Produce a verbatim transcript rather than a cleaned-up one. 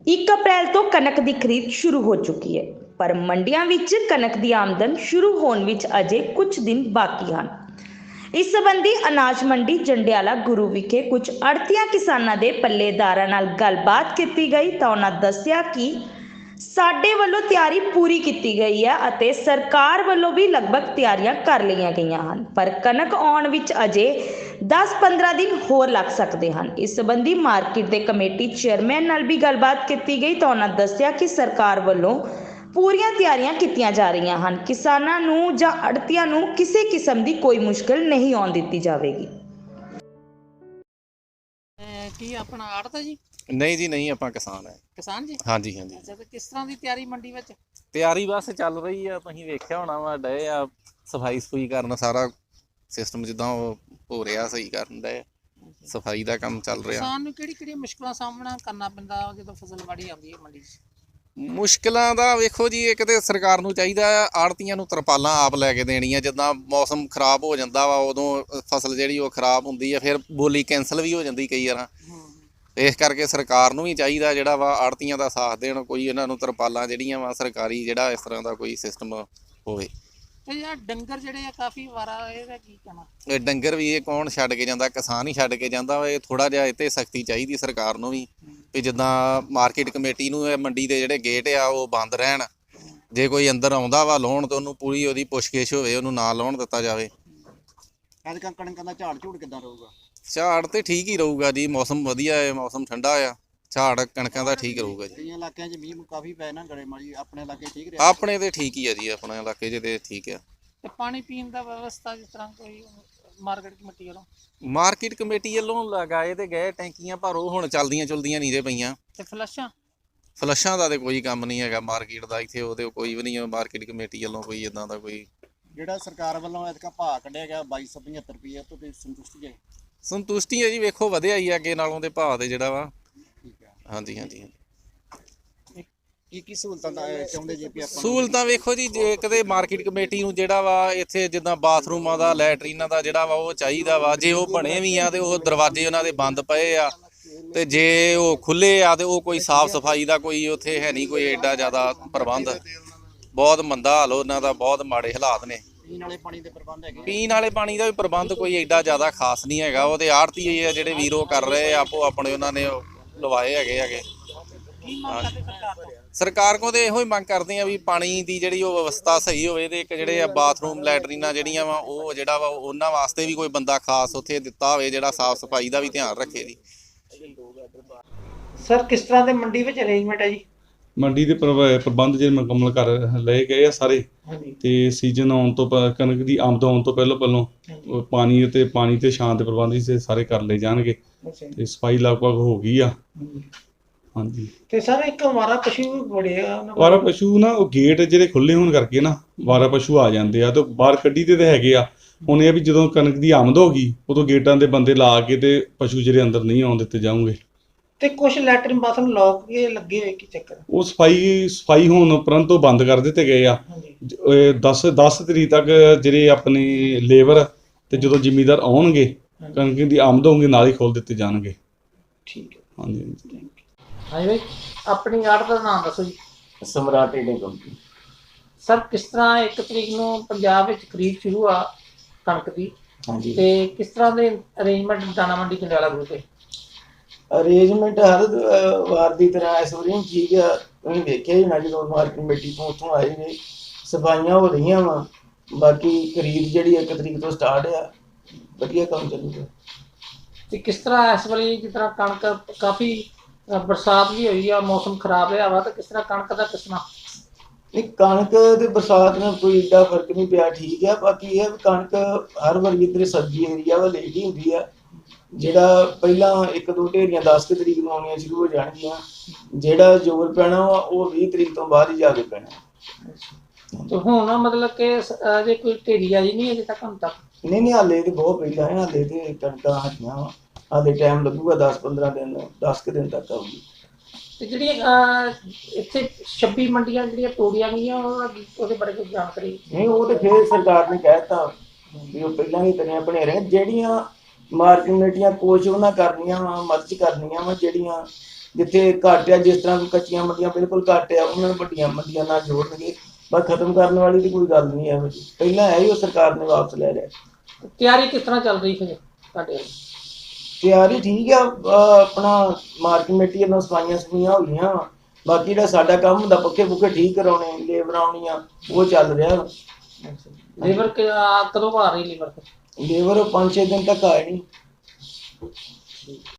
एक अप्रैल तो कनक की खरीद शुरू हो चुकी है, पर मंडियां विच कनक की आमदन शुरू होने विच अजे कुछ दिन बाकी हैं। इस संबंधी अनाज मंडी जंडियाला गुरु विखे कुछ अड़तिया किसानां दे पल्लेदारां नाल गलबात की गई तो उन्होंने दस्सिया कि साडे वल्लों तैयारी पूरी की गई है अते सरकार वल्लों भी लगभग तैयारियां कर लिया गई हैं, पर कनक आउण विच अजे दस पंद्रह दिन होर लग सकते हैं। इस संबंधी मार्केट के कमेटी चेयरमैन नाल भी गलबात की गई तो उन्होंने दस्सिया कि सरकार वल्लों पूरियां तैयारियां कीतियां जा रही हैं, किसानां नूं जां अड़तियां नूं किसी किस्म की कोई मुश्किल नहीं आउण दित्ती जावेगी। ਕੀ ਆਪਣਾ ਆੜਤ ਜੀ? नहीं जी नहीं, ਆਪਾਂ किसान है। किसान जी? हाँ जी हाँ जी। ਅੱਛਾ, ਤੇ ਕਿਸ ਤਰ੍ਹਾਂ ਦੀ ਤਿਆਰੀ ਮੰਡੀ ਵਿੱਚ? ਤਿਆਰੀ ਬਸ ਚੱਲ ਰਹੀ ਆ, ਤੁਸੀਂ ਵੇਖਿਆ ਹੋਣਾ ਵਾ, ਡਏ ਆ ਸਫਾਈ ਸਫੂਈ ਕਰਨ, ਸਾਰਾ ਸਿਸਟਮ ਜਿੱਦਾਂ ਉਹ ਹੋ ਰਿਹਾ ਸਹੀ ਕਰਨ ਡਏ, ਸਫਾਈ ਦਾ ਕੰਮ ਚੱਲ ਰਿਹਾ। ਕਿਸਾਨ ਨੂੰ ਕਿਹੜੀ ਕਿਹੜੀ ਮੁਸ਼ਕਲਾਂ ਸਾਹਮਣਾ ਕਰਨਾ ਪੈਂਦਾ ਜਦੋਂ ਫਸਲ ਵਾੜੀ ਆਉਂਦੀ ਹੈ ਮੰਡੀ 'ਚ? ਮੁਸ਼ਕਿਲਾਂ ਦਾ ਵੇਖੋ ਜੀ, ਇੱਕ ਤੇ ਸਰਕਾਰ ਨੂੰ ਚਾਹੀਦਾ ਆੜਤੀਆਂ ਨੂੰ ਤਰਪਾਲਾਂ ਆਪ ਲੈ ਕੇ ਦੇਣੀਆਂ। ਜਿੱਦਾਂ ਮੌਸਮ ਖਰਾਬ ਹੋ ਜਾਂਦਾ ਵਾ ਉਦੋਂ ਫਸਲ ਜਿਹੜੀ ਉਹ ਖਰਾਬ ਹੁੰਦੀ ਆ, ਫਿਰ ਬੋਲੀ ਕੈਂਸਲ ਵੀ ਹੋ ਜਾਂਦੀ ਕਈ ਵਾਰ। ਇਸ ਕਰਕੇ ਸਰਕਾਰ ਨੂੰ ਵੀ ਚਾਹੀਦਾ ਜਿਹੜਾ ਵਾ ਆੜਤੀਆਂ ਦਾ ਸਾਥ ਦੇਣ, ਕੋਈ ਇਹਨਾਂ ਨੂੰ ਤਰਪਾਲਾਂ ਜਿਹੜੀਆਂ ਵਾ ਸਰਕਾਰੀ ਜਿਹੜਾ ਇਸ ਤਰ੍ਹਾਂ ਦਾ ਕੋਈ ਸਿਸਟਮ ਹੋਵੇ। ਤੇ ਯਾਰ ਡੰਗਰ ਜਿਹੜੇ ਆ ਕਾਫੀ ਵਾਰਾ, ਇਹਦਾ ਕੀ ਕਹਿਣਾ? ਇਹ ਡੰਗਰ ਵੀ ਇਹ ਕੌਣ ਛੱਡ ਕੇ ਜਾਂਦਾ? ਕਿਸਾਨ ਹੀ ਛੱਡ ਕੇ ਜਾਂਦਾ ਵਾ। ਇਹ ਥੋੜਾ ਜਿਹਾ ਇੱਥੇ ਸਖਤੀ ਚਾਹੀਦੀ ਸਰਕਾਰ ਨੂੰ ਵੀ, ਵੀ ਜਿੱਦਾਂ ਮਾਰਕੀਟ ਕਮੇਟੀ ਨੂੰ ਇਹ ਮੰਡੀ ਦੇ ਜਿਹੜੇ ਗੇਟ ਆ ਉਹ ਬੰਦ ਰਹਿਣ। ਜੇ ਕੋਈ ਅੰਦਰ ਆਉਂਦਾ ਵਾ ਲਾਉਣ ਤਾਂ ਉਹਨੂੰ ਪੂਰੀ ਉਹਦੀ ਪੁੱਛਗਿੱਛ ਹੋਵੇ, ਉਹਨੂੰ ਨਾ ਲਾਉਣ ਦਿੱਤਾ ਜਾਵੇ। ਐਤਕਾਂ ਕਣਕਾਂ ਦਾ ਝਾੜ ਝੂੜ ਕਿੱਦਾਂ ਰਹੂਗਾ? ਝਾੜ ਤੇ ਠੀਕ ਹੀ ਰਹੂਗਾ ਜੀ, ਮੌਸਮ ਵਧੀਆ ਹੈ, ਮੌਸਮ ਠੰਡਾ ਆ, ਝਾੜ ਕਣਕਾਂ ਦਾ ਠੀਕ ਰਹੂਗਾ ਜੀ। ਕਈਆਂ ਇਲਾਕਿਆਂ 'ਚ ਮੀਂਹ ਕਾਫੀ ਪੈ ਨਾ ਗੜੇ ਮਾਰੀ, ਆਪਣੇ ਇਲਾਕੇ ਠੀਕ ਰਿਹਾ? ਆਪਣੇ ਤੇ ਠੀਕ ਹੀ ਆ ਜੀ, ਆਪਣੇ ਇਲਾਕੇ 'ਚ ਤੇ ਠੀਕ ਆ। ਤੇ ਪਾਣੀ ਪੀਣ ਦਾ ਵਿਵਸਥਾ ਜਿਸ ਤਰ੍ਹਾਂ ਕੋਈ ਮਾਰਕੀਟ ਕਮੇਟੀ ਵੱਲੋਂ? ਮਾਰਕੀਟ ਕਮੇਟੀ ਵੱਲੋਂ ਲਗਾਏ ਤੇ ਗਏ ਟੈਂਕੀਆਂ, ਪਰ ਉਹ ਹੁਣ ਚੱਲਦੀਆਂ ਚੁਲਦੀਆਂ ਨਹੀਂ ਜੇ ਪਈਆਂ। ਤੇ ਫਲਸ਼ਾਂ? ਫਲਸ਼ਾਂ ਦਾ ਤੇ ਕੋਈ ਕੰਮ ਨਹੀਂ ਹੈਗਾ ਮਾਰਕੀਟ ਦਾ ਇੱਥੇ, ਉਹਦੇ ਕੋਈ ਵੀ ਨਹੀਂ ਹੈ ਮਾਰਕੀਟ ਕਮੇਟੀ ਵੱਲੋਂ ਕੋਈ ਇਦਾਂ ਦਾ ਕੋਈ। ਜਿਹੜਾ ਸਰਕਾਰ ਵੱਲੋਂ ਐਤਕਾਂ ਭਾਅ ਕੱਢਿਆ ਗਿਆ ਬਾਈ ਸੌ ਪਝੱਤਰ ਰੁਪਏ ਤੋਂ ਤੇ ਸੰਤੁਸ਼ਟੀ ਹੈ? ਸੰਤੁਸ਼ਟੀ ਹੈ ਜੀ, ਵੇਖੋ ਵਧਿਆ ਹੀ ਅੱਗੇ ਨਾਲੋਂ ਦੇ ਭਾਅ ਤੇ ਜਿਹੜਾ ਵਾ। ਠੀਕ ਹੈ। ਹਾਂਜੀ ਹਾਂਜੀ। ਕੀ ਕੀ ਸਹੂਲਤਾਂ ਦਾ ਚਾਹੁੰਦੇ ਜੇ ਵੀ ਆਪਾਂ? ਸਹੂਲਤਾਂ ਵੇਖੋ ਜੀ, ਜੇ ਕਦੇ ਮਾਰਕੀਟ ਕਮੇਟੀ ਨੂੰ ਜਿਹੜਾ ਵਾ ਇੱਥੇ ਜਿੱਦਾਂ ਬਾਥਰੂਮਾਂ ਦਾ, ਲੈਟਰੀਨਾਂ ਦਾ ਜਿਹੜਾ ਵਾ ਉਹ ਚਾਹੀਦਾ ਵਾ। ਜੇ ਉਹ ਬਣੇ ਵੀ ਆ ਤੇ ਉਹ ਦਰਵਾਜ਼ੇ ਉਹਨਾਂ ਦੇ ਬੰਦ ਪਏ ਆ, ਤੇ ਜੇ ਉਹ ਖੁੱਲੇ ਆ ਤੇ ਉਹ ਕੋਈ ਸਾਫ਼ ਸਫਾਈ ਦਾ ਕੋਈ ਉੱਥੇ ਹੈ ਨਹੀਂ ਕੋਈ ਐਡਾ ਜ਼ਿਆਦਾ ਪ੍ਰਬੰਧ। ਬਹੁਤ ਮੰਦਾ ਹਾਲ ਉਹਨਾਂ ਦਾ, ਬਹੁਤ ਮਾੜੇ ਹਾਲਾਤ ਨੇ। ਪੀਣ ਵਾਲੇ ਪਾਣੀ ਦੇ ਪ੍ਰਬੰਧ ਹੈਗੇ? ਪੀਣ ਵਾਲੇ ਪਾਣੀ ਦਾ ਵੀ ਪ੍ਰਬੰਧ ਕੋਈ ਐਡਾ ਜ਼ਿਆਦਾ ਖਾਸ ਨਹੀਂ ਹੈਗਾ। ਉਹ ਤੇ ਆੜਤੀ ਆ ਜਿਹੜੇ ਵੀਰੋ ਕਰ ਰਹੇ ਆਪੋ ਆਪਣੇ, ਉਹਨਾਂ ਨੇ ਲਵਾਏ ਹੈਗੇ ਹੈਗੇ। ਕੀ ਮੰਗ ਕਰਦੇ ਸਰਕਾਰ ਤੋਂ? ਸਰਕਾਰ ਕੋਲ ਤੇ ਇਹੋ ਹੀ ਮੰਗ ਕਰਦੇ ਆ ਵੀ ਪਾਣੀ ਦੀ ਜਿਹੜੀ ਉਹ ਵਿਵਸਥਾ ਸਹੀ ਹੋਵੇ, ਤੇ ਇੱਕ ਜਿਹੜੇ ਆ ਬਾਥਰੂਮ ਲੈਟਰੀਨਾਂ ਜਿਹੜੀਆਂ ਵਾ ਉਹ ਜਿਹੜਾ ਵਾ ਉਹਨਾਂ ਵਾਸਤੇ ਵੀ ਕੋਈ ਬੰਦਾ ਖਾਸ ਉੱਥੇ ਦਿੱਤਾ ਹੋਵੇ ਜਿਹੜਾ ਸਾਫ਼ ਸਫਾਈ ਦਾ ਵੀ ਧਿਆਨ ਰੱਖੇ ਜੀ। ਸਰ ਕਿਸ ਤਰ੍ਹਾਂ ਦੇ ਮੰਡੀ ਵਿੱਚ ਅਰੇਂਜਮੈਂਟ ਹੈ ਜੀ? ਮੰਡੀ ਦੇ ਪ੍ਰਬ- ਪ੍ਰਬੰਧ ਜਿਹੜੇ ਮੁਕੰਮਲ ਕਰ ਲਏ ਗਏ ਆ ਸਾਰੇ। ਤੇ ਸੀਜ਼ਨ ਆਉਣ ਤੋਂ ਪ- ਕਣਕ ਦੀ ਆਮਦ ਆਉਣ ਤੋਂ ਪਹਿਲਾਂ ਪਹਿਲਾਂ ਉਹ ਪਾਣੀ ਅਤੇ ਪਾਣੀ ਤੇ ਛਾਂ ਦੇ ਪ੍ਰਬੰਧ ਵੀ ਸਾਰੇ ਕਰ ਲਏ ਜਾਣਗੇ। ਤੇ ਸਫਾਈ ਲਗਭਗ ਹੋ ਗਈ ਆ। ਹਾਂਜੀ। ਤੇ ਸਰ ਇੱਕ ਵਾਰਾ ਪਸ਼ੂ ਬੜੇ ਆ, ਵਾਰਾ ਪਸ਼ੂ ਨਾ ਉਹ ਗੇਟ ਜਿਹੜੇ ਖੁੱਲੇ ਹੋਣ ਕਰਕੇ ਨਾ ਵਾਰਾ ਪਸ਼ੂ ਆ ਜਾਂਦੇ ਆ, ਤੇ ਬਾਹਰ ਕੱਢੀ ਦੇ ਤੇ ਹੈਗੇ ਆ। ਹੁਣ ਇਹ ਵੀ ਜਦੋਂ ਕਣਕ ਦੀ ਆਮਦ ਹੋ ਗਈ ਉਦੋਂ ਗੇਟਾਂ ਦੇ ਬੰਦੇ ਲਾ ਕੇ ਤੇ ਪਸ਼ੂ ਜਿਹੜੇ ਅੰਦਰ ਨਹੀਂ ਆਉਣ ਦਿੱਤੇ ਜਾਣਗੇ। ਤੇ ਕੁਝ ਲੈਟਰਿਨ ਬਾਥਰੂਮ ਲੋਕ ਕੇ ਲੱਗੇ ਹੋਏ, ਕੀ ਚੱਕਰ? ਉਹ ਸਫਾਈ ਸਫਾਈ ਹੋਣ ਉਪਰੰਤ ਤੋਂ ਬੰਦ ਕਰ ਦਿੱਤੇ ਗਏ ਆ। ਦਸ ਦਸ ਤਰੀਕ ਤੱਕ ਜਿਹੜੇ ਆਪਣੀ ਲੇਬਰ ਤੇ ਜਦੋਂ ਜ਼ਿਮੀਂਦਾਰ ਆਉਣਗੇ ਕਣਕ ਦੀ ਆਮਦ ਹੋਊਗੀ ਨਾਲ ਹੀ ਖੋਲ ਦਿੱਤੇ ਜਾਣਗੇ। ਠੀਕ ਹੈ। ਹਾਂਜੀ ਹਾਂਜੀ। ਹਾਂਜੀ ਭਾਈ, ਆਪਣੀ ਆੜਤ ਦਾ ਨਾਮ ਦੱਸੋ ਜੀ। ਸਮਰਾਟ ਟ੍ਰੇਡਿੰਗ ਕੰਪਨੀ। ਸਰ ਕਿਸ ਤਰ੍ਹਾਂ ਇੱਕ ਤਰੀਕ ਨੂੰ ਪੰਜਾਬ ਵਿੱਚ ਖਰੀਦ ਸ਼ੁਰੂ ਆ ਕਣਕ ਦੀ, ਹਾਂਜੀ, ਤੇ ਕਿਸ ਤਰ੍ਹਾਂ ਦੇ ਅਰੇਂਜਮੈਂਟ ਦਾਣਾ ਮੰਡੀ ਜੰਡਿਆਲਾ ਗਰੁੱਪ ਦੇ? ਅਰੇਂਜਮੈਂਟ ਹਰ ਵਾਰ ਦੀ ਤਰ੍ਹਾਂ ਇਸ ਵਾਰੀ ਠੀਕ ਆ। ਤੁਸੀਂ ਵੇਖਿਆ ਹੀ ਨਾ, ਜਦੋਂ ਮਾਰਕੀਟ ਕਮੇਟੀ ਤੋਂ ਉੱਥੋਂ ਆਏ ਨੇ ਸਫਾਈਆਂ ਹੋ ਰਹੀਆਂ ਵਾ। ਬਾਕੀ ਖਰੀਦ ਜਿਹੜੀ ਇੱਕ ਤਰੀਕ ਤੋਂ ਸਟਾਰਟ ਆ, ਵਧੀਆ ਕੰਮ ਚੱਲੂਗਾ। ਤੇ ਕਿਸ ਤਰ੍ਹਾਂ ਇਸ ਵੇਲੇ ਜਿਸ ਤਰ੍ਹਾਂ ਕਣਕ ਕਾਫੀ ਬਰਸਾਤ ਵੀ ਹੋਈ ਆ, ਮੌਸਮ ਖਰਾਬ ਰਿਹਾ ਵਾ, ਤਾਂ ਕਿਸ ਤਰ੍ਹਾਂ ਕਣਕ ਦਾ ਕਿਸਮਾਂ? ਨਹੀਂ, ਕਣਕ ਤੇ ਬਰਸਾਤ ਨਾਲ ਕੋਈ ਏਡਾ ਫਰਕ ਨਹੀਂ ਪਿਆ, ਠੀਕ ਆ। ਬਾਕੀ ਇਹ ਵੀ ਕਣਕ ਹਰ ਵਾਰੀ ਇੱਧਰ ਸਬਜ਼ੀ ਏਰੀਆ ਵਾ ਲੇਟ ਹੀ ਹੁੰਦੀ ਆ। ਜਿਹੜਾ ਪਹਿਲਾਂ ਇੱਕ ਦੋ ਢੇਰੀਆਂ ਦਸ ਕੁ ਤਰੀਕ ਨੂੰ ਆਉਣੀਆਂ ਸ਼ੁਰੂ ਹੋ ਜਾਣਗੀਆਂ, ਜਿਹੜਾ ਜ਼ੋਰ ਪੈਣਾ ਵਾ ਉਹ ਵੀਹ ਤਰੀਕ ਤੋਂ ਬਾਅਦ ਹੀ ਜਾ ਕੇ ਪੈਣਾ। ਤੇ ਹੁਣ ਮਤਲਬ ਕਿ ਅਜੇ ਕੋਈ ਢੇਰੀ ਆਈ ਨਹੀਂ ਅਜੇ ਤੱਕ? ਹੁਣ ਤੱਕ ਨਹੀਂ ਨਹੀਂ, ਹਾਲੇ ਤੇ ਬਹੁਤ ਪਹਿਲਾਂ ਹੈ, ਹਾਲੇ ਤੇ ਕਣਕਾਂ ਹਟੀਆਂ ਵਾ, ਹਾਲੇ ਟਾਈਮ ਲੱਗੂਗਾ ਦਸ ਪੰਦਰਾਂ ਦਿਨ, ਦਸ ਕੁ ਦਿਨ ਤੱਕ ਆਊਗੀ। ਤੇ ਜਿਹੜੀਆਂ ਇੱਥੇ ਛੱਬੀ ਮੰਡੀਆਂ ਜਿਹੜੀਆਂ ਤੋੜੀਆਂ ਗਈਆਂ ਉਹਦੇ ਬਾਰੇ ਕੋਈ ਜਾਣਕਾਰੀ? ਨਹੀਂ, ਉਹ ਤੇ ਫਿਰ ਸਰਕਾਰ ਨੇ ਕਹਿ ਦਿੱਤਾ ਵੀ ਉਹ ਪਹਿਲਾਂ ਹੀ ਤਰੀਆਂ ਬਣੇ ਰਹੇ। ਜਿਹੜੀਆਂ ਮਾਰਕੀਟ ਕਮੇਟੀਆਂ ਕੁਛ ਉਹਨਾਂ ਕਰਨੀਆਂ ਵਾ, ਮਦਦ ਕਰਨੀਆਂ ਵਾ, ਜਿਹੜੀਆਂ ਜਿੱਥੇ ਘੱਟ ਆ, ਜਿਸ ਤਰ੍ਹਾਂ ਕੱਚੀਆਂ ਮੰਡੀਆਂ ਬਿਲਕੁਲ ਘੱਟ ਆ, ਉਹਨਾਂ ਨੂੰ ਵੱਡੀਆਂ ਮੰਡੀਆਂ ਨਾਲ ਜੋੜਨਗੇ। ਪਰ ਖਤਮ ਕਰਨ ਵਾਲੀ ਦੀ ਕੋਈ ਗੱਲ ਨਹੀਂ ਇਹੋ ਜਿਹੀ, ਪਹਿਲਾਂ ਹੈ ਹੀ ਉਹ ਸਰਕਾਰ ਨੇ ਵਾਪਸ ਲੈ ਲਿਆ। ਤਿਆਰੀ ਕਿਸ ਤਰ੍ਹਾਂ ਚੱਲ ਰਹੀ ਫਿਰ ਤੁਹਾਡੇ ਵੱਲ? ਤਿਆਰੀ ਠੀਕ ਆ, ਅਹ ਆਪਣਾ ਮਾਰਕੀਟ ਕਮੇਟੀ ਵੱਲੋਂ ਸਫਾਈਆਂ ਸਫਾਈਆਂ ਹੋ ਗਈਆਂ ਵਾ। ਬਾਕੀ ਜਿਹੜਾ ਸਾਡਾ ਕੰਮ ਹੁੰਦਾ ਪੱਖੇ ਪੁੱਖੇ ਠੀਕ ਕਰਾਉਣੇ, ਲੇਬਰ ਆਉਣੀਆਂ, ਉਹ ਚੱਲ ਰਿਹਾ ਵਾ। ਲੇਬਰ ਕਦੋਂ ਆ ਰਹੀ ਲੇਬਰ? ਲੇਬਰ ਪੰਜ ਛੇ ਦਿਨ ਤੱਕ ਆਏ ਨਹੀਂ।